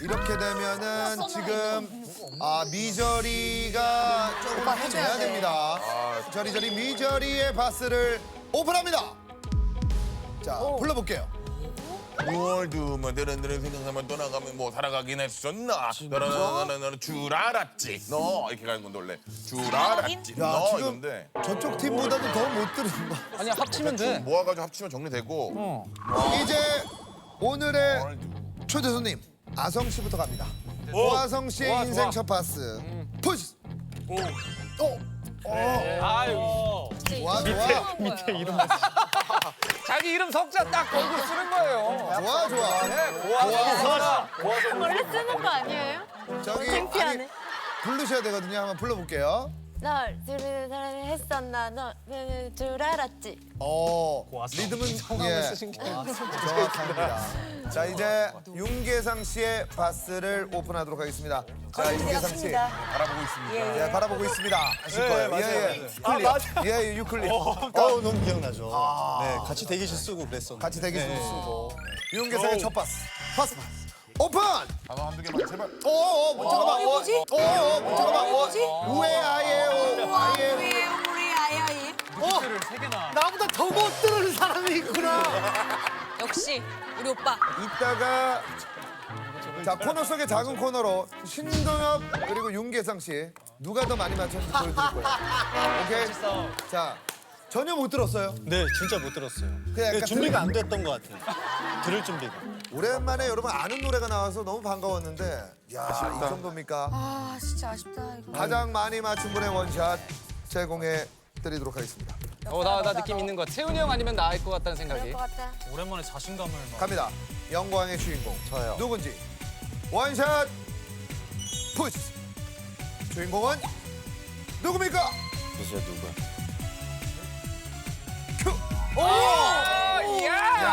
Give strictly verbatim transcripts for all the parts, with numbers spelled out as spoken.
이렇게 되면은 지금 아 미저리가 조금 해줘야 됩니다. 저리저리 미저리의 바스를 오픈합니다. 자, 불러볼게요. 무얼도 뭐 드런드런 생각하면 떠나가면 뭐 살아가긴 했었나 너는 너는 줄 알았지 너 이렇게 가는 건데 원래 줄 알았지 야, 너 지금 이건데 저쪽 팀보다도 더 못 들은 거. 아니 합치면 돼. 모아가지고 합치면 정리되고 이제 오늘의 초대 손님 아성 씨부터 갑니다. 오아성 씨의 좋아, 인생 좋아. 첫 파스. 푸시. 오. 오. 아유. 좋아, 좋아. 밑에 이름 자기 이름 석자 딱 걸고 쓰는 거예요. 좋아, 좋아. 네, 고아서. 원래 쓰는 거 아니에요? 저기 창피하네. 아니, 부르셔야 되거든요. 한번 불러볼게요. 널 들으는 사람이 했었나 너는 줄 알았지. 어, 리듬은 예, 정확합니다. 자, 이제 윤계상 씨의 바스를 오픈하도록 하겠습니다. 자, 윤계상 씨 바라보고 있습니다 예, 바라보고 있습니다. 아실 거예요. 예, 예. 유클립. 예, 예, 유클립. 어, 너무 기억나죠. 네, 같이 대기실 쓰고 그랬었는데. 같이 대기실 쓰고. 윤계상의 첫 바스. 파스 파스. 오픈! 단어 한두 개만 제발 오, 오, 뭐, 잠깐만. 오, 뭐지? 오, 오, 뭐, 잠깐만. 오, 우에 아예 오, 아예. 우리 우리 아야이. 나보다 더 못 들은 사람이 있구나. 역시 우리 오빠. 이따가 자 코너 속의 작은 코너로 신동엽 그리고 윤계상 씨 누가 더 많이 맞췄는지 보여드릴 거예요. 오케이. 자 전혀 못 들었어요. 네, 진짜 못 들었어요. 그냥 약간 네, 준비가 안 됐던 것 같아요. 들을 준비가. 오랜만에 여러분 아는 노래가 나와서 너무 반가웠는데 야 이 정도입니까? 아 진짜 아쉽다 이거. 가장 많이 맞춘 분의 원샷 제공해 드리도록 하겠습니다. 어, 나, 나 느낌 있는 거. 태훈이 형 아니면 나을 것 같다는 그럴 생각이. 것 같다. 오랜만에 자신감을 막. 갑니다. 영광의 주인공 저요. 누군지 원샷 푸시. 주인공은 누굽니까? 글쎄 누가. 큐. 오! 어, 야!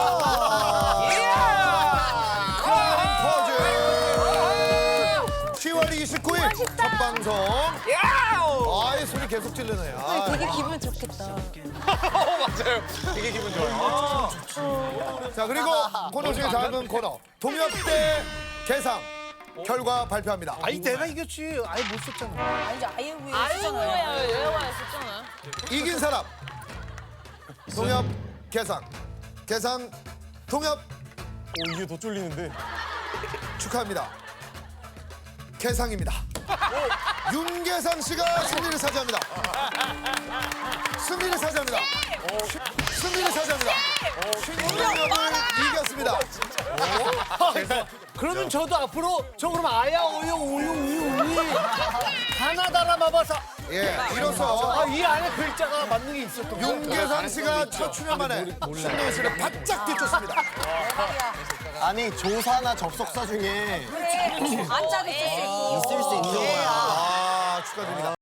퍼즐. 시월 이십구일 첫 방송. 아이 소리 계속 찔르네요. 아, 되게 기분 좋겠다. 어, 맞아요. 되게 기분 좋아요. 자 그리고 코너 중에 작은 코너 동엽 대 계상 결과 발표합니다. 아니 내가 이겼지. 아예 못 썼잖아. 아니지 아예 위에 쓰잖아요. 얘가 썼잖아. 이긴 사람 동엽 계상 계상 동엽 오 이게 더 쫄리는데. 축하합니다. 계상입니다. 윤계상 씨가 승리를 차지합니다. 승리를 차지합니다. 승리를 차지합니다. 신동엽을 이겼습니다. 그러면 저도 앞으로 저 그럼 아야 어여 우유 우유 우유 하나 달아봐봐서 예, 이로써 아 이 안에 글자가 맞는 게 있었던 거야. 윤계상 씨가 첫 출연 만에 신동엽 씨를 바짝 뒤쫓습니다. 아니 조사나 접속사 중에 안짜도 있을 수 있고. 있을 수 있는 거야. 아, 축하드립니다.